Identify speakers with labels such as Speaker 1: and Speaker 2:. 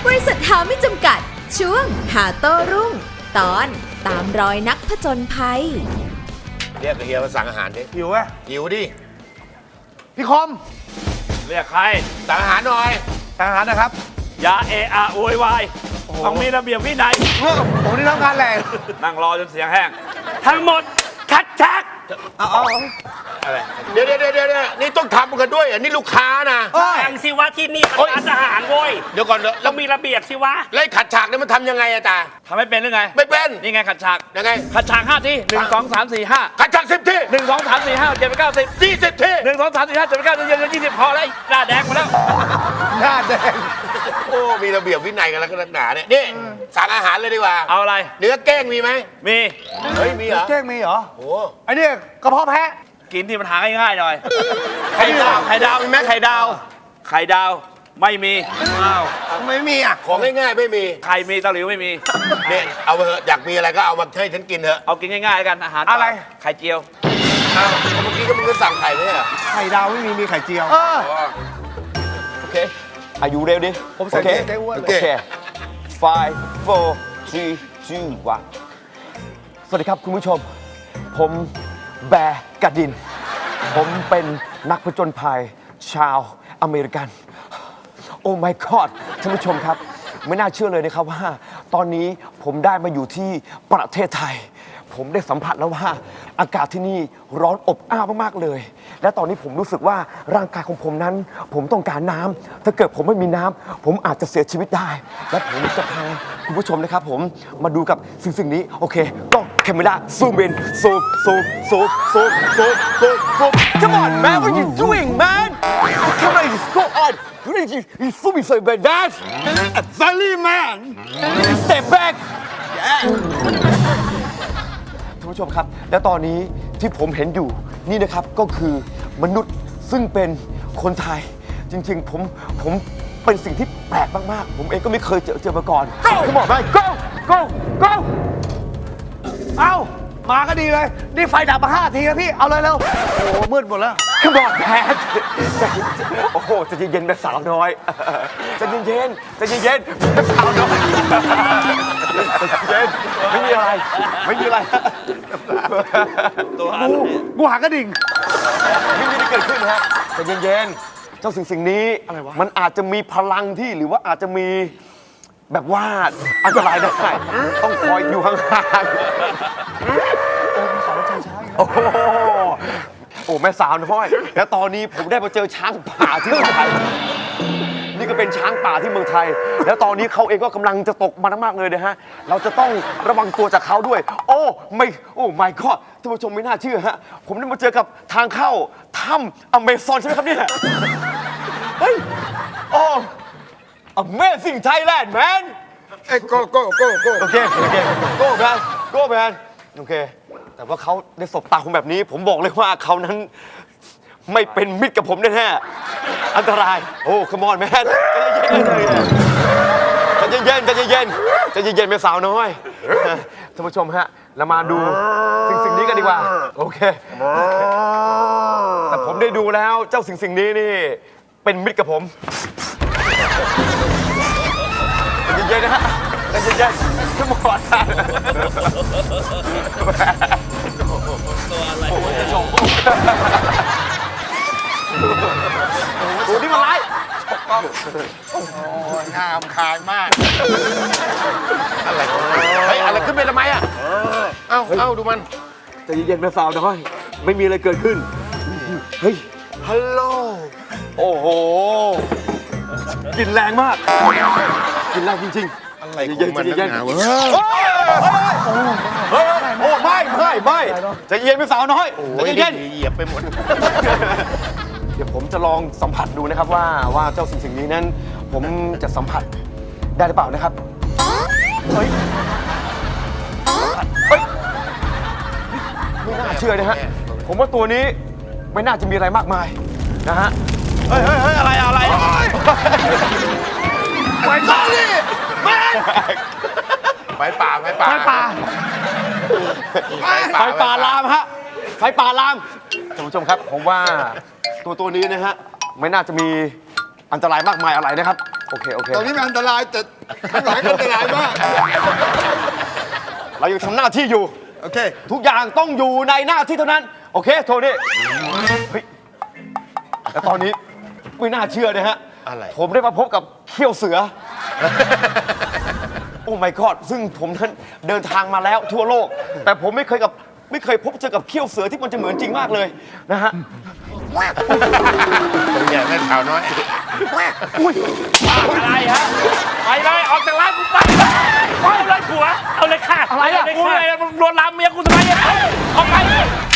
Speaker 1: บริษัทหาไม่จำกัดช่วงหาโต้รุ่งตอนตามรอยนักผจญภัย
Speaker 2: เรียกเฮียมาสั่งอาหารดิ
Speaker 3: หิวไหม
Speaker 2: หิวดิ
Speaker 3: พี่คม
Speaker 4: เรียกใคร
Speaker 2: สั่งอาหารหน่อย
Speaker 3: สั่งอาหารนะครับ
Speaker 4: อย่าเอะอะโวยวายต้องมีระเบียบวินัย
Speaker 3: ผมนี่ทำงานแหละ
Speaker 4: นั่งรอจนเสียงแห้งทั้งหมดคัดชัก
Speaker 3: เอา
Speaker 2: อะไรเดี๋ยวนี่ต้องทำกันด้วยอ่ะนี่ลูกค้านะ
Speaker 4: สั่งสิวะที่นี่ร้านอาหารโว้ย
Speaker 2: เดี๋ยวก่อน
Speaker 4: ต้องมีระเบียบสิวะ
Speaker 2: แล้วขัดฉากนี่มันทำยังไงอะจ๊ะ
Speaker 4: ทำไม่เป็นหรือไง
Speaker 2: ไม่เป็น
Speaker 4: นี่ไงขัดฉาก
Speaker 2: ยังไง
Speaker 4: ขัดฉาก5 ที 1 2 3 4 5
Speaker 2: ขัดฉาก10 ที
Speaker 4: 1 2 3 4 5 7 8 9 10
Speaker 2: 20 ที
Speaker 4: 1 2 3 4 5 7 8 9 10 20พอแล้วหน้าแดงหมดแล้ว
Speaker 3: หน้าแดง
Speaker 2: โอ้มีระเบียบวินัยกันแล้วก็นักหนาเนี่ยนี่สั่งอาหารเลยดีกว่า
Speaker 4: เอาอะไร
Speaker 2: เนื้อแก้งมีไหม
Speaker 4: มี
Speaker 2: เฮ้ยมีเหรอ
Speaker 3: แก้งมีเหรอ
Speaker 2: โอ้
Speaker 3: ไอ้นี่กระเพาะแพะ
Speaker 4: กินที่มันหาง่ายๆหน่อย
Speaker 2: ไข่ดาวมีไหมไข่ดาว
Speaker 4: ไม่มี
Speaker 3: อ้าวไม่มีอ่ะ
Speaker 2: ของง่ายๆไม่มี
Speaker 4: ไข่มีตะหลิวไม่มี
Speaker 2: เนี่ยเอาไปเถอะอยากมีอะไรก็เอามาให้ฉันกินเถอะ
Speaker 4: เอากินง่ายๆกันอาหาร
Speaker 3: อะไร
Speaker 4: ไข่เจียว
Speaker 2: อ้าวเมื่อกี้ก็มึงก็สั่งไข่ไม่ใช่เหรอ
Speaker 3: ไข่ดาวไม่มีไข่เจียว
Speaker 5: โอเคอายุเร็วดิ
Speaker 3: ผมใส่เจ๊อ้วน
Speaker 5: โอเค5 4 3 2 1สวัสดีครับคุณผู้ชมผมแบร์กาดินผมเป็นนักผจญภัยชาวอเมริกันโอ้ my god ท่านผู้ชมครับไม่น่าเชื่อเลยนะครับว่าตอนนี้ผมได้มาอยู่ที่ประเทศไทยผมได้สัมผัสแล้วว่าอากาศที่นี่ร้อนอบอ้าวมากๆเลยและตอนนี้ผมรู้สึกว่าร่างกายของผมนั้นผมต้องการน้ำถ้าเกิดผมไม่มีน้ำผมอาจจะเสียชีวิตได้และผมจะพาคุณผู้ชมนะครับผมมาดูกับสิ่งนี้โอเคก็แคมเมราซูมอินซูม Come on man what are you doing man Come on just go on you zooming so bad that
Speaker 3: Sorry man
Speaker 5: step back ท่านผู้ชมครับและตอนนี้ที่ผมเห็นอยู่นี่นะครับก็คือมนุษย์ซึ่งเป็นคนไทยจริงๆผมเป็นสิ่งที่แปลกมากๆผมเองก็ไม่เคยเจอมาก่อนเขาบอกไป go
Speaker 3: เอ้ามาก็ดีเลยนี่ไฟดับมา5 ทีแล้วพี่เอาเลยเร็วโอ้มืดหมดแล้ว
Speaker 5: ขบอนแพทโอ้โหจะเย็นๆแบบสาวน้อยจะเย็นแบบสาวน้อยเย็นไม่มีอะไร
Speaker 3: กูหากระดิ่ง
Speaker 5: ไม่มีอะไรเกิดขึ้นฮะจะเย็นๆเจ้าสิ่งนี้มันอาจจะมีพลังที่หรือว่าอาจจะมีแบบว่าอันตรายได้ต้องคอยอยู่ห่างๆโอ้แม่สาวน้อยแล้วตอนนี้ผมได้มาเจอช้างป่าที่เมืองไทยนี่ก็เป็นช้างป่าที่เมืองไทยแล้วตอนนี้เขาเองก็กำลังจะตกมันมากเลยนะฮะเราจะต้องระวังตัวจากเขาด้วยโอ้ไม่ก็ท่านผู้ชมไม่น่าเชื่อฮะผมได้มาเจอกับทางเข้าถ้ำอเมซอนใช่ไหมครับเนี่ยเฮ้ยโอ้ Amazing Thailand man
Speaker 2: โก้
Speaker 5: โอเคโก้แมนโอเคแต่ว่าเขาได้สบตาผมแบบนี้ผมบอกเลยว่าเขานั้นไม่เป็นมิตรกับผมแน่ๆอันตรายโอ้ come on man ใจเย็นเป็นสาวน้อยท่านผู้ชมฮะเรามาดูสิ่งนี้กันดีกว่าโอเคแต่ผมได้ดูแล้วเจ้าสิ่งนี้นี่เป็นมิตรกับผมใจเย็นนะฮะใจเย็นขึ้นมาก่อนตัวอะไรโอ้นี่มันร้าย
Speaker 2: โอ้งามคายมากอะไรขึ้นไปทำไมอ่ะเอ้าดูมัน
Speaker 5: ใจเย็นเป็นสาวน้อยไม่มีอะไรเกิดขึ้นเฮ้ยฮัลโหลโอ้โหกินแรงมากกินแรงจริงๆ
Speaker 2: อะไรของมันนักหนาวะ
Speaker 5: โอ้ไม่ใจเย็นเป็นสาวน้อยใจเย็น
Speaker 2: เหยียบไปหมด
Speaker 5: เดี๋ยวผมจะลองสัมผัสดูนะครับว่าเจ้าสิ่งนี้นั้นผมจะสัมผัสได้หรือเปล่านะครับเฮ้ยไม่น่าเชื่อนะฮะผมว่าตัวนี้ไม่น่าจะมีอะไรมากมายนะฮะ
Speaker 4: เฮ้ยอะไร
Speaker 3: ไฟต้าดิ
Speaker 2: ไฟป่า
Speaker 5: ลามฮะไฟป่าลามท่านผู้ชมครับผมว่าตัวนี้นะฮะไม่น่าจะมีอันตรายมากมายอะไรนะครับโอเค
Speaker 2: ตอนนี้มันอันตรายแต่ข้างหลังอันตรายมาก
Speaker 5: เรายังทำหน้าที่อยู่
Speaker 2: โอเค
Speaker 5: ทุกอย่างต้องอยู่ในหน้าที่เท่านั้น โอเค โทนี่เฮ้ยแล้วตอนนี้ไม่น่าเชื่อนะฮะ
Speaker 2: อะไร
Speaker 5: ผมได้มาพบกับเขี้ยวเสือ โอ้ my god ซึ่งผมนั้นเดินทางมาแล้วทั่วโลก แต่ผมไม่เคยพบเจอกับเขี้ยวเสือที่มันจะเหมือนจริงมากเลยนะฮะ
Speaker 2: เป็นไงแม่ขาวน้อย
Speaker 4: อะไรฮะไปเลยออกจากร้านกูไปเอาเลยผัวเอาเลยค่ะ
Speaker 3: อะไรอะ
Speaker 4: กูเลยมึงลวนลามเมียกูทำไมเนี่ยออกไป